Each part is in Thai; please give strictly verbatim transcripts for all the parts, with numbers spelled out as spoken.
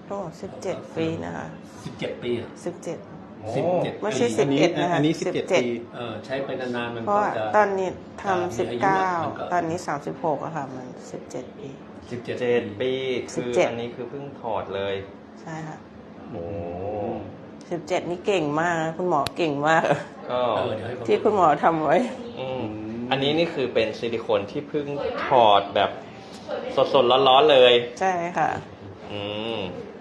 ก็สิบเจ็ดปีนะคะสิบเจ็ดปีสิบเจ็ดสิบเจ็ดไม่ใช่สิบเอ็ดนะคะอันนี้สิบเจ็ดปีเออใช้ไปนานๆมันเพราะก็จะตอนนี้ทำสิบเก้าตอนนี้สามสิบหกอะค่ะมันสิบเจ็ดปีสิบเจ็ดเจ็ดปีสิคืบอเจ็ดอันนี้คือเพิ่งถอดเลยใช่ค่ะโอ้สิบเจ็ดนี่เก่งมากนะคุณหมอเก่งมากก็ที่คุณหมอทำไว้อืมอันนี้นี่คือเป็นซิลิโคนที่เพิ่งถอดแบบสดๆร้อนๆเลยใช่ค่ะอืม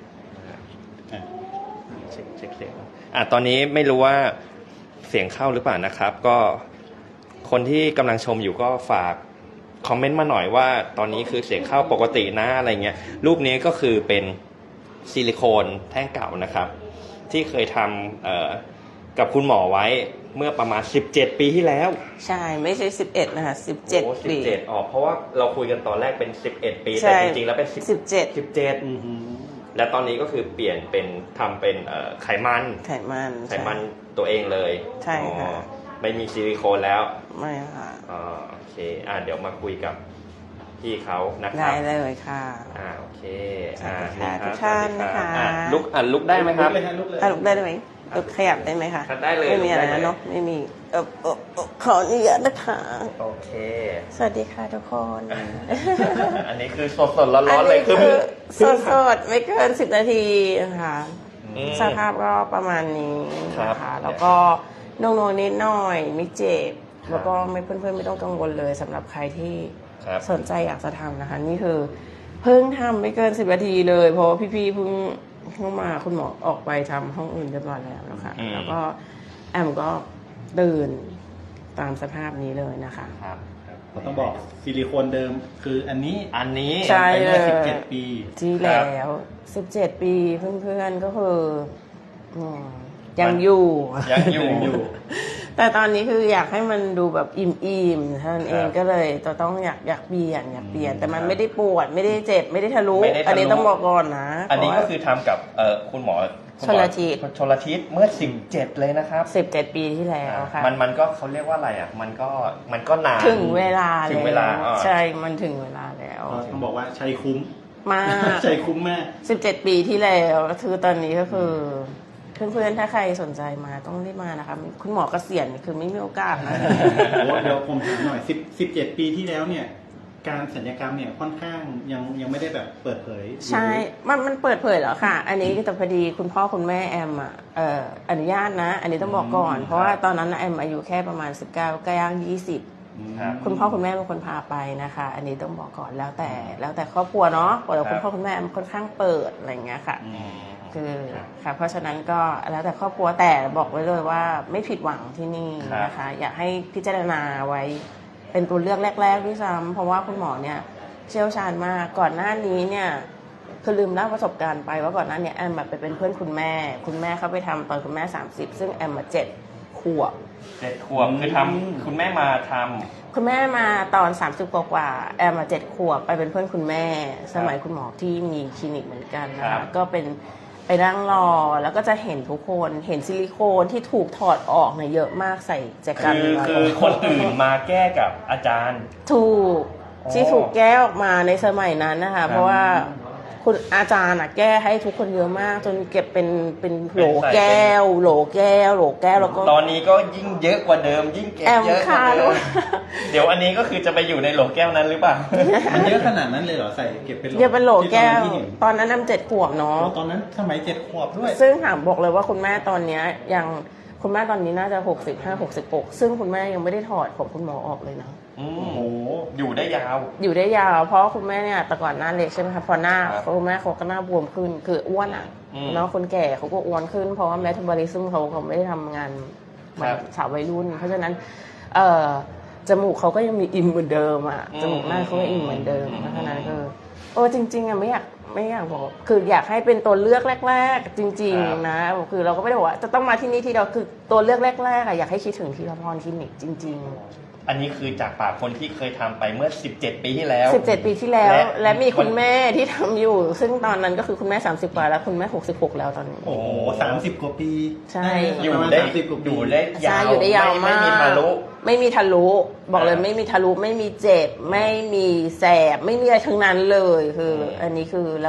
เช็คเช็คเสียงอ่ะตอนนี้ไม่รู้ว่าเสียงเข้าหรือเปล่านะครับ ก็คนที่กำลังชมอยู่ก็ฝากคอมเมนต์มาหน่อยว่าตอนนี้คือเสียงเข้าปกตินะอะไรเงี้ยรูปนี้ก็คือเป็นซิลิโคนแท่งเก่านะครับที่เคยทำเอ่อกับคุณหมอไว้เมื่อประมาณสิบเจ็ดปีที่แล้วใช่ไม่ใช่สิบเอ็ดนะคะสิบเจ็ดปีสิบเจ็ดอ๋อเพราะว่าเราคุยกันตอนแรกเป็นสิบเอ็ดปีแต่จริงๆแล้วเป็นสิบเจ็ดสิบเจ็ดและตอนนี้ก็คือเปลี่ยนเป็นทำเป็นไขมันไขมันไขมันตัวเองเลยใช่ค่ะไม่มีซิลิโคนแล้วไม่ค่ะอ๋อโอเคอ่าเดี๋ยวมาคุยกับพี่เขานะครับได้เลยค่ะอ่าโอเคอ่าทุกท่านนะคะลุกอ่ะลุกได้ไหมครับอ่ะลุกได้ไหมลุกขยับได้ไหมคะได้เลยไม่มีอะไรนะเนาะไม่มีเออเออขออนุญาตนะคะโอเคสวัสดีค่ะทุกคนอันนี้คือสดสดร้อนๆเลยคือสดสดไม่เกินสิบนาทีนะคะสภาพก็ประมาณนี้นะคะแล้วก็นงๆนิดหน่อยไม่เจ็บแล้วก็ไม่เพื่อนๆไม่ต้องกังวลเลยสำหรับใครที่สนใจอยากจะทำนะคะนี่คือเพิ่งทำไม่เกินสิบนาทีเลยเพราะพี่ๆเพิ่งเข้ามาคุณหมอออกไปทำห้องอื่นเรียบร้อยแล้วนะคะแล้วก็แอมก็ตื่นตามสภาพนี้เลยนะคะเราต้องบอกซิลิโคนเดิมคืออันนี้อันนี้ใช่เลยสิบเจ็ดปีที่แล้วสิบเจ็ดปีเพื่อนๆก็คือยังอยู่ยังอยู่แต่ตอนนี้คืออยากให้มันดูแบบอิ่มๆท่านเองก็เลยจะต้องอยากอยากเปลี่ยนอยากเปลี่ยนแต่มันไม่ได้ปวดไม่ได้เจ็บไม่ได้ทะลุอันนี้ต้องบอกก่อนนะอันนี้ก็คือทำกับเอ่อคุณหมอชลทิศชลทิศเมื่อสิบเจ็ดเลยนะครับสิบเจ็ดปีที่แล้วค่ะมันมันก็เขาเรียกว่าอะไรอ่ะมันก็มันก็นานถึงเวลาถึงเวลาใช่มันถึงเวลาแล้วต้องบอกว่าใช้คุ้มมากใช้คุ้มมากสิบเจ็ดปีที่แล้วคือตอนนี้ก็คือเพื่อนๆถ้าใครสนใจมาต้องรีบมานะคะคุณหมอเกษียณคือไม่มีโอกาสนะเดี๋ยวผมถามหน่อยสิบสิบเจ็ดปีที่แล้วเนี่ยการศัลยกรรมเนี่ยค่อนข้างยังยังไม่ได้แบบเปิดเผยใช่มันมันเปิดเผยแล้วค่ะอันนี้แต่พอดีคุณพ่อคุณแม่แอมอ่ะเอ่ออนุญาตนะอันนี้ต้องบอกก่อนเพราะว่าตอนนั้นแอมอายุแค่ประมาณสิบเก้าใกล้ย่างยี่สิบคุณพ่อคุณแม่เป็นคนพาไปนะคะอันนี้ต้องบอกก่อนแล้วแต่แล้วแต่ครอบครัวเนาะแต่คุณพ่อคุณแม่ค่อนข้างเปิดอะไรอย่างเงี้ยค่ะคือค่ะเพราะฉะนั้นก็แล้วแต่ครอบครัวแต่บอกไว้เลยว่าไม่ผิดหวังที่นี่นะคะอยากให้พิจารณาไว้เป็นตัวเลือกแรกๆด้วยซ้ำเพราะว่าคุณหมอเนี่ยเชี่ยวชาญมากก่อนหน้านี้เนี่ยคือลืมเล่าประสบการณ์ไปว่าก่อนหน้านี้แอมแบบไปเป็นเพื่อนคุณแม่คุณแม่เขาไปทำตอนคุณแม่สามสิบซึ่งแอมมาเจ็ดขวบเจ็ดขวบคือทำคุณแม่มาทำคุณแม่มาตอนสามสิบกว่าแอมมาเจ็ดขวบไปเป็นเพื่อนคุณแม่สมัยคุณหมอที่มีคลินิกเหมือนกันนะคะก็เป็นไปนั่งรอแล้วก็จะเห็นทุกคนเห็นซิลิโคนที่ถูกถอดออกเนี่ยเยอะมากใส่แจกันคือคือคนอื่นมาแก้กับอาจารย์ถูกที่ถูกแก้ออกมาในสมัยนั้นนะคะเพราะว่าคุณอาจารย์อะแก้ให้ทุกคนเยอะมากจนเก็บเป็นเป็นโหลแก้วโหลแก้วโหลแก้วแล้วก็ตอนนี้ก็ยิ่งเยอะกว่าเดิมยิ่งเก็บเยอะกว่าเดิมเดี๋ยวอันนี้ก็คือจะไปอยู่ในโหลแก้วนั้นหรือเปล่ามันเยอะขนาดนั้นเลยเหรอใส่เก็บเป็นโหลเก็บเป็นโหลแก้วตอนนั้นนำเจ็ดขวบเนาะตอนนั้นสมัยเจ็ดขวบด้วยซึ่งถามบอกเลยว่าคุณแม่ตอนนี้ยังคุณแม่ตอนนี้น่าจะหกสิบห้า หกสิบหกซึ่งคุณแม่ยังไม่ได้ถอดผมคุณหมอออกเลยนะโอ้โหอยู่ได้ยาวอยู่ได้ยาวเพราะคุณแม่เนี่ยแต่ก่อนหน้าเล็กใช่ไหมคะพอหน้าคุณแม่เขาก็หน้าบวมขึ้นคืออ้วนอ่ะเนาะคนแก่เขาก็อ้วนขึ้นเพราะว่าแมทาบอลิซึมเขาเขาไม่ได้ทำงานเหมือนสาววัยรุ่นเพราะฉะนั้นเอ่อจมูกเขาก็ยังมีอิ่มเหมือนเดิมอ่ะจมูกหน้าเขาก็อิ่มเหมือนเดิมเพราะฉะนั้นคือโอ้จริงๆอ่ะไม่อยากไม่อยากบอกคืออยากให้เป็นตัวเลือกแรกๆจริงๆนะคือเราก็ไม่ได้บอกว่าจะต้องมาที่นี่ที่เราคือตัวเลือกแรกๆอ่ะอยากให้คิดถึงทีละพรคลินิกจริงๆอันนี้คือจากปากคนที่เคยทำไปเมื่อสิบเจ็ดปีที่แล้วสิบเจ็ดปีที่แล้วและมีคุณแม่ที่ทำอยู่ซึ่งตอนนั้นก็คือคุณแม่สามสิบกว่าแล้วคุณแม่หกสิบหกแล้วตอนนี้โอ้โหสามสิบกว่าปีใช่อยู่ได้อยู่ได้ยาวอยู่ได้ยาวมากไม่มีทะลุไม่มีทะลุบอกเลยไม่มีทะลุไม่มีเจ็บไม่มีแสบไม่มีอะไรทั้งนั้นเลยคืออันนี้คือระบบ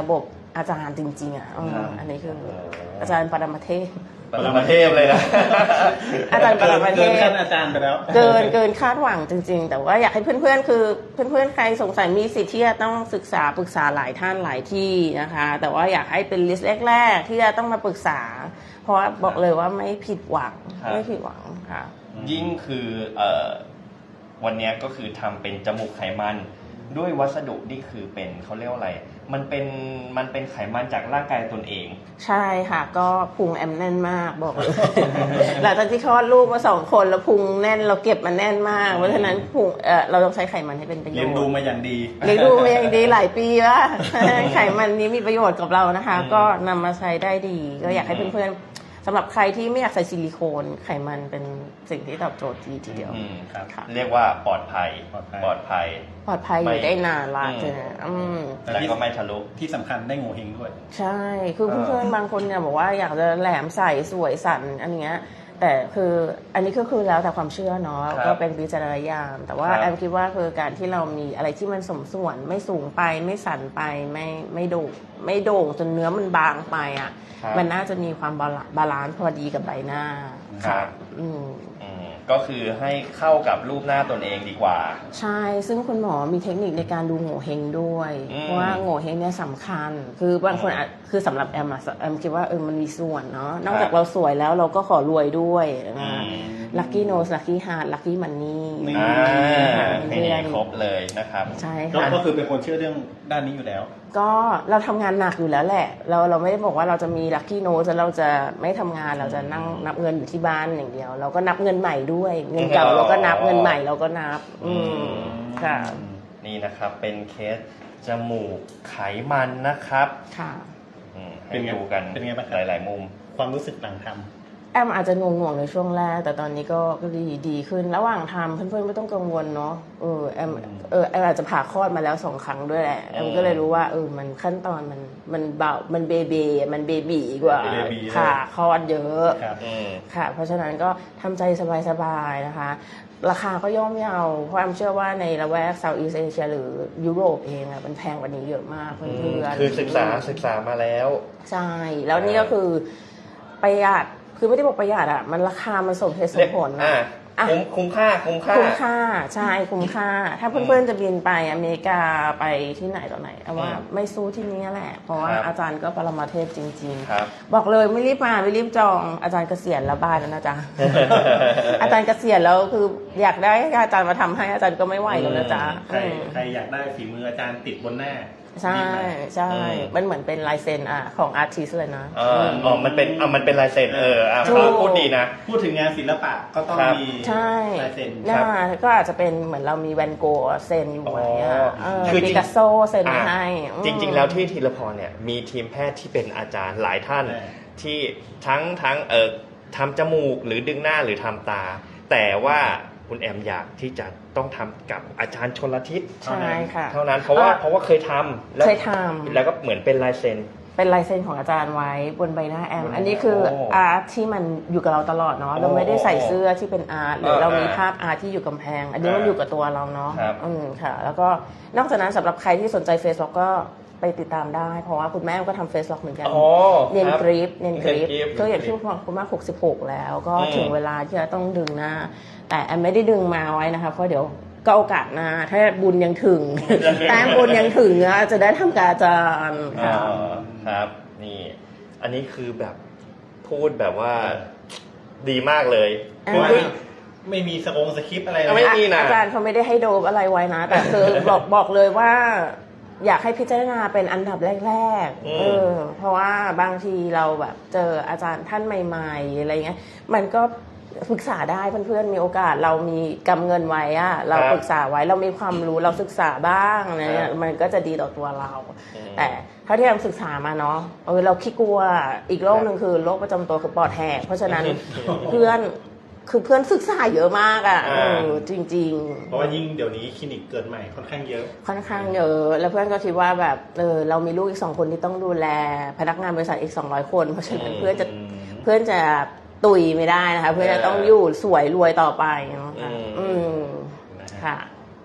อาจารย์จริงๆอ่ะเออครับอันนี้คืออาจารย์ปรมาเทพปรมาเทพเลยนะอาจารย์ปรมาเทเกินพขั้นอาจารย์ไปแล้วเกินเกินคาดหวังจริง ๆ แต่ว่าอยากให้เพื่อนๆคือเพื่อนๆใครสงสัยมีสิทธิ์ที่จะต้องศึกษาปรึกษาหลายท่านหลายที่นะคะ แต่ว่าอยากให้เป็นลิสต์แรกๆที่จะต้องมาปรึกษา เพราะว่าบอกเลยว่าไม่ผิดหวังครับไม่ผิดหวังค่ะยิ่งคือเอ่อวันเนี้ยก็คือทำเป็นจมูกไขมันด้วยวัสดุที่คือเป็นเขาเรียกว่าอะไร มันเป็นมันเป็นไขมันจากร่างกายตนเองใช่ค่ะก็พุงแอมแน่นมากบอกเลย หลังจากที่คลอดลูกมาสองคนแล้วพุงแน่นเราเก็บมันแน่นมากเพราะฉะนั้นพุงเออเราต้องใช้ไขมันให้เป็นประโยชเรียนน์ดูมาอย่างดีเลี้ยงดูมาอย่างดีหลายปีว่า ไขมันนี้มีประโยชน์กับเรานะคะอืมก็นำมาใช้ได้ดี ก็อยากให้เพื่อนๆสำหรับใครที่ไม่อยากใส่ซิลิโคนไขมันเป็นสิ่งที่ตอบโจทย์ดีทีเดียวอืมครับค่ะเรียกว่าปลอดภัยปลอดภัยปลอดภัยปลอดภัยอยู่ได้นานละอืมเจออืมแล้วก็ไม่ทะลุที่สำคัญได้โงเฮงด้วยใช่ คือเออเพื่อนๆบางคนเนี่ยบอกว่าอยากจะแหลมใส่สวยสันอันเนี้ยแต่คืออันนี้ก็คือแล้วแต่ความเชื่อเนาะครับก็เป็นวิจารณญาณแต่ว่าครับแอมคิดว่าคือการที่เรามีอะไรที่มันสมส่วนไม่สูงไปไม่สันไปไม่ไม่โด่งไม่โด่งจนเนื้อมันบางไปอ่ะครับมันน่าจะมีความบาลาบาลานซ์พอดีกับใบหน้าครับอืมอืมก็คือให้เข้ากับรูปหน้าตนเองดีกว่าใช่ ซึ่งคุณหมอมีเทคนิคในการดูโง่เฮงด้วยอืมเพราะว่าโง่เฮงเนี่ยสำคัญ คือบางคนอาจคือสำหรับแอมอะแอมคิดว่าเออมันมีส่วนเนาะ นอกจากเราสวยแล้วเราก็ขอรวยด้วยนะลัคกี้โนสลัคกี้ฮาร์ดลัคกี้มันนี่นี่อ่าเพื่นี่อนครบเลยนะครับใช่ก็ค่ะก็คือเป็นคนเชื่อเรื่องด้านนี้อยู่แล้วก็เราทำงานหนักอยู่แล้วแหละ เราเราไม่ได้บอกว่าเราจะมีลัคกี้โนสแล้วเราจะไม่ทำงานเราจะนั่งนับเงินอยู่ที่บ้านอย่างเดียว เราก็นับเงินใหม่ด้วย เงินเก่าเราก็นับเงินใหม่เราก็นับ อืมค่ะนี่นะครับเป็นเคสจมูกไขมันนะครับค่ะอืมให้เป็นไงดูกันเป็นไงบ้างครับหลาย ๆ มุมความรู้สึกหลังทำแอมอาจจะงงๆในช่วงแรกแต่ตอนนี้ก็ก็ดีดีขึ้นระหว่างทำเพื่อนๆไม่ต้องกังวลเนาะเออแอมเออแอมอาจจะผ่าคลอดมาแล้วสองครั้งด้วยแหละแอมก็เลยรู้ว่าเออมันขั้นตอนมันมันเบามันเบเบมันเบบีกว่าเบบีเลยผ่าคลอดเยอะครับอืมค่ะ เพราะฉะนั้นก็ทำใจสบายๆนะคะ ราคาก็ย่อมเยาเพราะแอมเชื่อว่าในละแวกเซาท์อีสเอเชียหรือยุโรปเองอะมันแพงกว่านี้เยอะมากเพื่อนๆคือศึกษาศึกษามาแล้วใช่ แล้วนี่ก็คือประหยัด คือไม่ได้บอกประหยัดอ่ะ มันราคามันสมเหตุสมผลอ่านะอ่ะคุ้มคุ้มค่าคุ้มค่าคุ้มค่า ใช่ คุ้มค่า ถ้าเพื่อนๆจะบินไปอเมริกาไปที่ไหนต่อไหนเอาว่าอืมไม่สู้ที่นี่แหละ เพราะว่าครับอาจารย์ก็ปรมาเทพจริงครับๆ บอกเลยไม่รีบมาไม่รีบจอง อาจารย์เกษียณแล้วบ้านแล้วนะจ๊ะ อาจารย์เกษียณแล้วคืออยากได้ให้อาจารย์มาทำให้อาจารย์ก็ไม่ไหวแล้วนะจ๊ะใครอืมใครอยากได้ฝีมืออาจารย์ติดบนหน้าใช่รีบมาใช่อืมมันเหมือนเป็นลายเซ็นอ่ะของอาร์ติสเลยนะอ่าอ๋อมันเป็นอ่ามันเป็นลายเซ็นเอออ่ะถูกพูดดีนะพูดถึงงานศิลปะก็ต้องครับมีใช่ลายเซ็นหน้าก็อาจจะเป็นเหมือนเรามีแวนโกะเซ็นอยู่ไว้อะอ๋อเออคือจริปิงกัสโซเซ็นไว้ให้อ่ะอืมจริง ๆ แล้วที่ทีละพรเนี่ยมีทีมแพทย์ที่เป็นอาจารย์หลายท่านใช่ที่ทั้งทั้งเออทำจมูกหรือดึงหน้าหรือทำตา แต่ว่าคุณแอมอยากที่จะต้องทำกับอาจารย์ชลทิศใช่ค่ะเท่านั้นเพราะว่าอ่ะเพราะว่าเคยทำแล้วเคยทำแล้วก็เหมือนเป็นลายเซ็นเป็นลายเซ็นของอาจารย์ไว้บนใบหน้าแอมบนอันนี้คือโอ้อาร์ตที่มันอยู่กับเราตลอดเนาะโอ้เราไม่ได้ใส่เสื้อที่เป็นอาร์ตหรือเออเรามีเออภาพอาร์ตที่อยู่กำแพง อันนี้มันเออออยู่กับตัวเราเนาะครับอืมค่ะ แล้วก็นอกจากนั้นสำหรับใครที่สนใจเฟซล็อกก็ไปติดตามได้ เพราะว่าคุณแม่ก็ทำเฟซล็อกเหมือนกันอ๋อเนียนครับกริปเนียนกริปเนียนกริปก็อย่างที่คุณคุณแม่หกสิบหกแล้ว ก็อืมถึงเวลาที่จะต้องดึงหน้า แต่แอมไม่ได้ดึงมาไว้นะคะเพราะเดี๋ยวก็โอกาสหน้าถ้าบุญยังถึง แต้มบุญยังถึงอะจะได้ทำการอาจารย์อ๋ค่ะอครับ นี่ อันนี้คือแบบพูดแบบว่าดีมากเลยอ่าเพราะว่าไม่มีสกงสคริปต์อะไรเลไม่ยมีนะอาจารย์เขาไม่ได้ให้โดบอะไรไว้นะ แต่คือบอกบอกเลยว่า อยากให้พิจารณาเป็นอันดับแรกอืมๆเออเพราะว่าบางทีเราแบบเจออาจารย์ท่านใหม่ๆอะไรเงี้ยมันก็ปรึกษาได้เพื่อนๆมีโอกาสเรามีกำเงินไว้อะเราปรึกษาไว้เรามีความรู้เราศึกษาบ้างอะไรเงี้ยมันก็จะดีต่อตัวเรา แต่เท่าที่เราศึกษามาเนาะเออเราขี้กลัวอีกโรคหนึ่งคือโรคประจำตัวคือปอดแหกเพราะฉะนั้นเพื่อนคือเพื่อนศึกษาเยอะมากอ่ะเออจริง ๆเพราะว่ายิ่งเดี๋ยวนี้คลินิกเกิดใหม่ค่อนข้างเยอะค่อนข้างเยอะ แล้วเพื่อนก็คิดว่าแบบเออเรามีลูกอีกสองคนที่ต้องดูแลพนักงานบริษัทอีกสองร้อยคน เพราะฉะนั้นเพื่อนจะเพื่อนจะตุยไม่ได้นะคะ เพื่อนจะต้องอยู่สวยรวยต่อไปเนาะค่ะอืมอืมค่ะ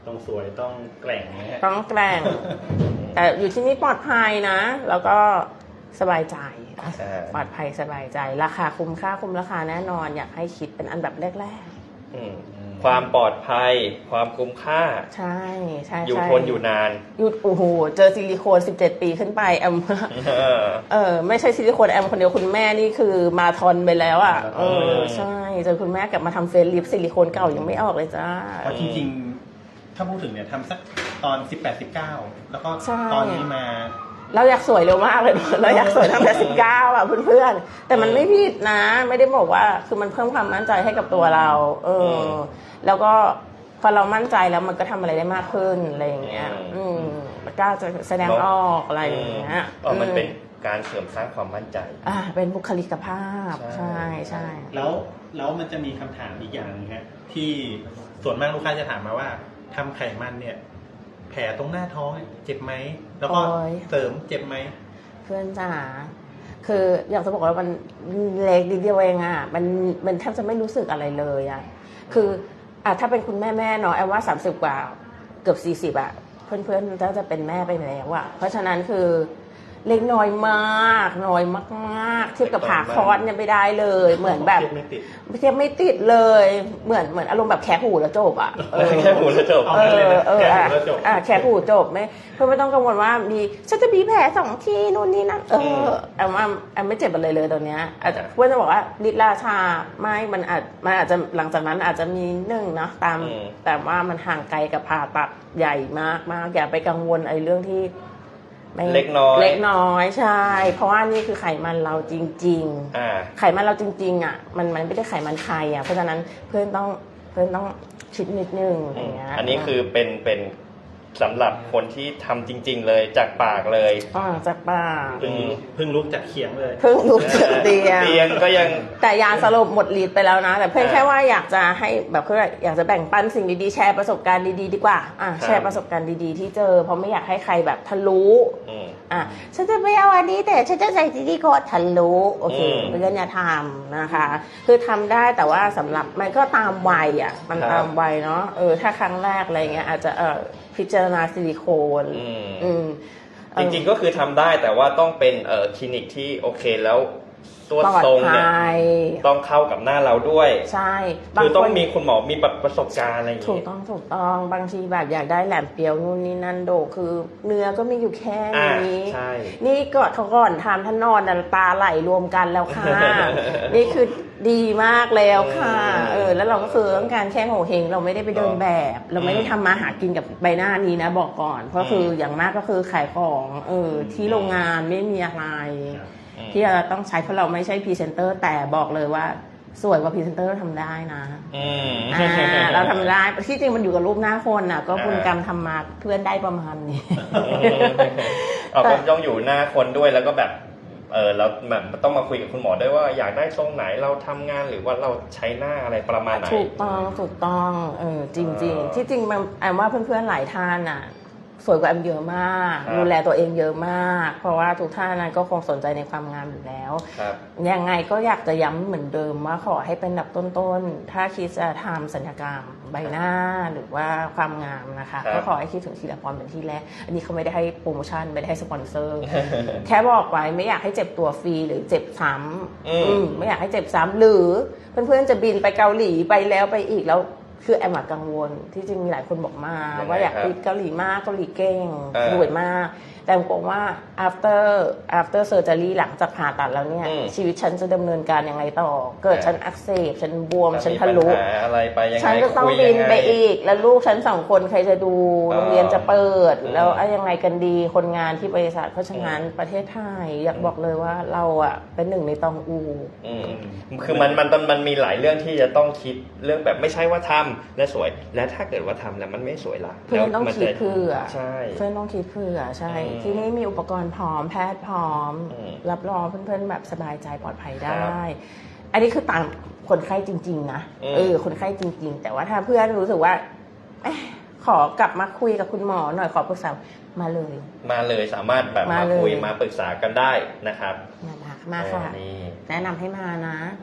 ต้องสวยต้องแกร่งนะฮะต้องแกล้ง แต่อยู่ที่นี่ปลอดภัยนะ แล้วก็สบายใจใช่ปลอดภัยสบายใจ ราคาคุ้มค่าคุ้มราคาแน่นอน อยากให้คิดเป็นอันดับแรกอืมความปลอดภัยความคุ้มค่าๆ ใช่ใช่อยู่ใช่ทนอยู่นานอยู่โอ้โหเจอซิลิโคนสิบเจ็ดปีขึ้นไปแอมเออเออไม่ใช่ซิลิโคนแอมคนเดียวคุณแม่นี่คือมาทอนไปแล้วอ่ะเออใช่เจอคุณแม่กลับมาทำเฟซลิฟซิลิโคนเก่ายังไม่ออกเลยจ้าเพราะจริงๆ ถ้าพูดถึงเนี่ยทำสักตอนสิบแปด สิบเก้าแล้วก็ใช่ตอนนี้มาเราอยากสวยเร็วมากเลย เราอยากสวยตั้งแต่สิบเก้าอ่ะเพื่อนๆแต่มันไม่ผิดนะ ไม่ได้บอกว่าคือมันเพิ่มความมั่นใจให้กับตัวเรา เออ แล้วก็พอเรามั่นใจแล้วมันก็ทำอะไรได้มากขึ้นอะไรอย่างเงี้ย อืมกล้าจะแสดงออกอะไรอย่างเงี้ยอ๋อมันเป็นการเสริมสร้างความมั่นใจอ่าเป็นบุคลิกภาพใช่ใช่ใช่แล้วแล้วมันจะมีคำถามอีกอย่างนึงฮะที่ส่วนมากลูกค้าจะถามมาว่าทำไขมันเนี่ย แผลตรงหน้าท้องเนี่ยเจ็บไหมแล้วก็โอ้ยเสริมเจ็บไหมเพื่อนจ๋าคืออยากจะบอกว่ามันเล็กนิดเดียวเองอ่ะมันมันแทบจะไม่รู้สึกอะไรเลยอ่ะคืออ่ะถ้าเป็นคุณแม่แม่เนาะแอมว่าสามสิบกว่าเกือบสี่สิบอ่ะเพื่อนๆก็จะเป็นแม่ไปแล้วอ่ะเพราะฉะนั้นคือเล็กน้อยมากน้อยมากๆเทียบกับผ่าคลอดเนี่ยไม่ได้เลย เหมือนแบบเทียบไม่ติดเทียบไม่ติดเลย เหมือนเหมือนอารมณ์แบบแคะหูแล้วจบอ่ะเออแค่หูแล้วจบเออเออแค่อ่ะหูแล้วจบอ่ะแค่หูจบไม่เพื่อไม่ต้องกังวลว่ามีฉันจะมีแผลสองที่นู่นนี่นั่นเออแอมว่าแอมไม่เจ็บอะไรเลยตอนเนี้ยอาจจะเพื่อนจะบอกว่าฤทธิ์ราชาไม่มันอาจมันอาจจะหลังจากนั้นอาจจะมีหนึ่งนะตามอืมแต่ว่ามันห่างไกลกับผ่าตัดใหญ่มากมากอย่าไปกังวลไอ้เรื่องที่ไม่เล็กน้อยเล็กน้อยใช่ เพราะว่านี่คือไขมันเราจริง ๆอ่าไขมันเราจริงๆอ่ะมันมันไม่ได้ไขมันใครอ่ะเพราะฉะนั้นเพื่อนต้องเพื่อนต้องคิดนิดนึงอย่างเงี้ยอันนี้คือเป็นเป็นสำหรับคนที่ทำจริง ๆ เลยจากปากเลยอ่าจากป่ากเพิ่งเพิ่งลุกจากเขียงเลยเพิ่งลุกจากเตียงเตียงก็ยังแต่ยาสลบหมดฤทธิ์ไปแล้วนะ แต่เพื่อนอ่าแค่ว่าอยากจะให้แบบเพื่ออยากจะแบ่งปันสิ่งดีๆแชร์ประสบการณ์ดีๆดีกว่าอ่ะครับแชร์ประสบการณ์ดีๆที่เจอเพราะไม่อยากให้ใครแบบทะลุอืมอ่ะฉันจะไม่เอาอันนี้แต่ฉันจะใส่ซิลิโคนทะลุโอเคอืมเพื่อนอย่าทำนะคะ คือทำได้แต่ว่าสำหรับมันก็ตามวัยอ่ะมันครับตามวัยเนาะเออถ้าครั้งแรกอะไรเงี้ยอาจจะเออพิจารณาซิลิโคนอืมอืมจริงๆก็คือทำได้แต่ว่าต้องเป็นเอ่อคลินิกที่โอเคแล้วตัวปลอดทรงเนี่ยภัยต้องเข้ากับหน้าเราด้วยใช่บาคือต้องคนมีคุณหมอมีประสบการณ์อะไรอย่างถูกงี้ต้องถูกต้องบางทีแบบอยากได้แหลมเปรียวนู่นนี่นั่นโดคือเนื้อก็มีอยู่แค่อ่านี้ใช่นี่ก็เขาก่อนทำท่านนอนน่ะตาไหลรวมกันแล้วค่ะ นี่คือดีมากแล้วค่ะ เออ แล้วเราก็คือต้องการแค่โหเฮงเราไม่ได้ไปเดินแบบ เราไม่ได้ทำมาหากินกับใบหน้านี้นะบอกก่อน เพราะคืออย่างมากก็คือขายของเออที่โรงงานไม่มีอะไร ที่เราต้องใช้เพราะเราไม่ใช่พรีเซนเตอร์แต่บอกเลยว่าสวยกว่าพรีเซนเตอร์ทำได้นะอืมอ่าเราทำได้ที่จริงมันอยู่กับรูปหน้าคนน่ะ ก็อ่าคุณกรรมทำมาเพื่อนได้ประมาณนี้เอาก็ต้องอยู่หน้าคนด้วยแล้วก็แบบเออเราแบบต้องมาคุยกับคุณหมอด้วยว่าอยากได้ทรงไหนเราทำงานหรือว่าเราใช้หน้าอะไรประมาณไหนถูกต้องถูกต้องเออจริงเออๆ ที่จริงมันแอมว่าเพื่อนๆหลายท่านน่ะสวยกว่าแอมเยอะมากครับดูแลตัวเองเยอะมาก เพราะว่าทุกท่านนั้นก็คงสนใจในความงามอยู่แล้วครับยังไงก็อยากจะย้ำเหมือนเดิมว่าขอให้เป็นอันดับต้นๆ ถ้าคิดจะทำศัลยกรรมใบหน้าหรือว่าความงามนะคะครับก็ขอให้คิดถึงทีละพรเป็นที่แรก อันนี้เขาไม่ได้ให้โปรโมชั่นไม่ได้ให้สปอนเซอร์ แค่บอกไว้ไม่อยากให้เจ็บตัวฟรีหรือเจ็บซ้ำอืมอืมไม่อยากให้เจ็บซ้ำหรือเพื่อนๆจะบินไปเกาหลีไปแล้วไปอีกแล้วคือแอมอะกังวลที่จริงมีหลายคนบอกมายังไงว่าอยากครับไปเกาหลีมากเกาหลีเก่งเออรวยมาก แต่ผมบอกว่า after after surgery หลังจากผ่าตัดแล้วเนี่ยอืมชีวิตฉันจะดำเนินการยังไงต่อ เกิดเออฉันอักเสบฉันบวมถ้าฉันมีทะลุปัญหาอะไรไปยังไงฉันก็ต้องคุยบิยันงไงไปอีก แล้วลูกฉันสองคนใครจะดูอ๋อโรงเรียนจะเปิดอืมแล้วเอายังไงกันดีคนงานที่บริษัทเพราะฉะนั้นประเทศไทยอยากบอกเลยว่าเราอะเป็นหนึ่งในตองอูอืมคือมันมันมันมันมีหลายเรื่องที่จะต้องคิดเรื่องแบบไม่ใช่ว่าทำและสวย และถ้าเกิดว่าทำแล้วมันไม่สวยล่ะเพื่อนต้องแล้วมัคิดจะเผื่อใช่เพื่อนต้องคิดเผื่อใช่อืมที่นี่มีอุปกรณ์พร้อมแพทย์พร้อมอืมรับรองเพื่อนๆแบบสบายใจปลอดภัยได้ครับอันนี้คือตามคนไข้จริง ๆ นะอืมเออคนไข้จริง ๆ แต่ว่าถ้าเพื่อนรู้สึกว่าเอ๊ะขอกลับมาคุยกับคุณหมอหน่อยขอปรึกษามาเลยมาเลยสามารถแบบมามาเลยคุยมาปรึกษากันได้นะครับมาค่ะมาค่ะนี่แนะนำให้มานะ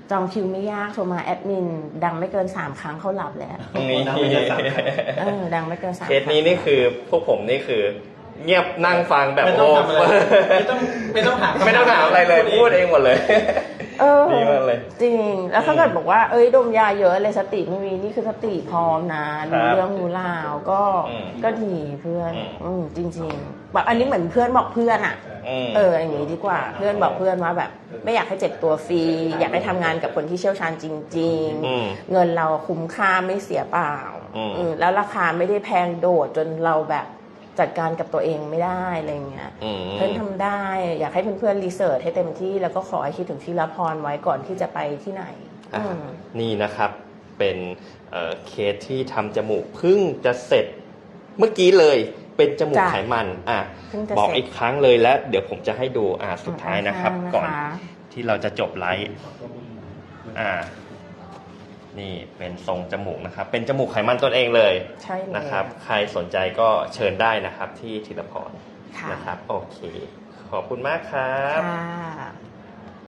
จองคิวไม่ยากโทรมาแอดมินดังไม่เกินสามครั้งเขาหลับแล้วนี่เออดังไม่เกินสามเคสนี้นี่คือพวกผมนี่คือ เงียบนั่งฟังแบบไม่ต้องทำอะไรไม่ต้องไม่ต้องถามไม่ต้องถามอะไรเลยพูดเองหมดเลยเออดีมากเลยจริงแล้วถ้าเกิดบอกว่าเอ้ยดมยาเยอะเลยสติไม่มีนี่คือสติพร้อมนะรู้เรื่องรู้ราวก็อืมก็ดีเพื่อนอืมอืมจริงๆแบบอันนี้เหมือนเพื่อนบอกเพื่อนอ่ะมเอออย่างนี้ดีกว่าเพื่อนบอกเพื่อนว่าแบบ ไม่อยากให้เจ็บตัวฟรีอยากให้ทำงานกับคนที่เชี่ยวชาญจริงอืมๆ เงินเราคุ้มค่าไม่เสียเปล่าอืมอืมแล้วราคาไม่ได้แพงโดดจนเราแบบจัดการกับตัวเองไม่ได้อะไรเงี้ยอืมเพื่อนทำได้ อยากให้เพื่อนๆรีเสิร์ชให้เต็มที่แล้วก็ขอให้คิดถึงที่ละพรไว้ก่อนที่จะไปที่ไหนอ่ะอืมนี่นะครับเป็นเอ่อเคสที่ทำจมูกเพิ่งจะเสร็จเมื่อกี้เลยเป็นจมูกจ้ะไขมันอ่ะเพิ่งจะบอกเสร็จอีกครั้งเลยและเดี๋ยวผมจะให้ดูอ่ะสุดท้ายนะครับข้างๆก่อนนะคะที่เราจะจบไลฟ์อ่า นี่เป็นทรงจมูกนะครับ เป็นจมูกไขมันตัวเองเลยใช่เลยนะครับ ใครสนใจก็เชิญได้นะครับที่ธีรพรค่ะนะครับ โอเค ขอบคุณมากครับค่ะ